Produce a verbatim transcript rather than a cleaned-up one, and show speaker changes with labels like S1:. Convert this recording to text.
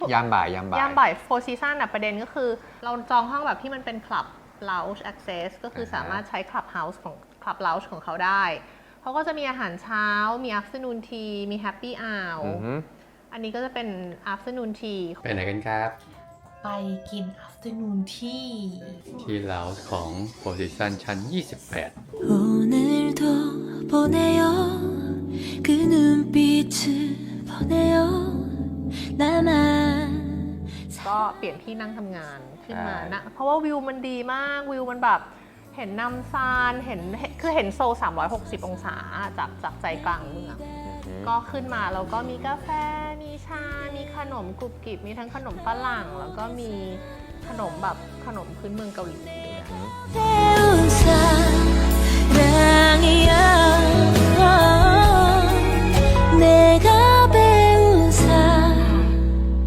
S1: ยามบ่ายยามบ่าย
S2: ยามบ่ายโฟร์ซีซันอ่ะประเด็นก็คือเราจองห้องแบบที่มันเป็นคลับ lounge access ก็คือสามารถใช้คลับ house ของคลับ lounge ของเขาได้เขาก็จะมีอาหารเช้ามี afternoon tea มี happy hour อันนี้ก็จะเป็น afternoon tea
S1: ไปไหนกันครับ
S3: ไปกิน afternoon tea
S1: ที่เลาส์ของโพซิชันชั้นยี่สิบแปด
S4: 오늘도 보내요 그 눈빛을 보내요 나만
S2: ก็เปลี่ยนที่นั่งทำงานขึ้นมานะเพราะว่าวิวมันดีมากวิวมันแบบเห็นนำซานเห็นคือเห็นโซลสามร้อยหกสิบองศาจากจากใจกลางเมืองก็ขึ้นมาแล้วก็มีกาแฟมีชา มีขนมกรุบกริบมีทั้งขนมฝรั่งแล้วก็มีขนมแบบขนมพื้นเมืองเกาหลีด้วย
S4: 태운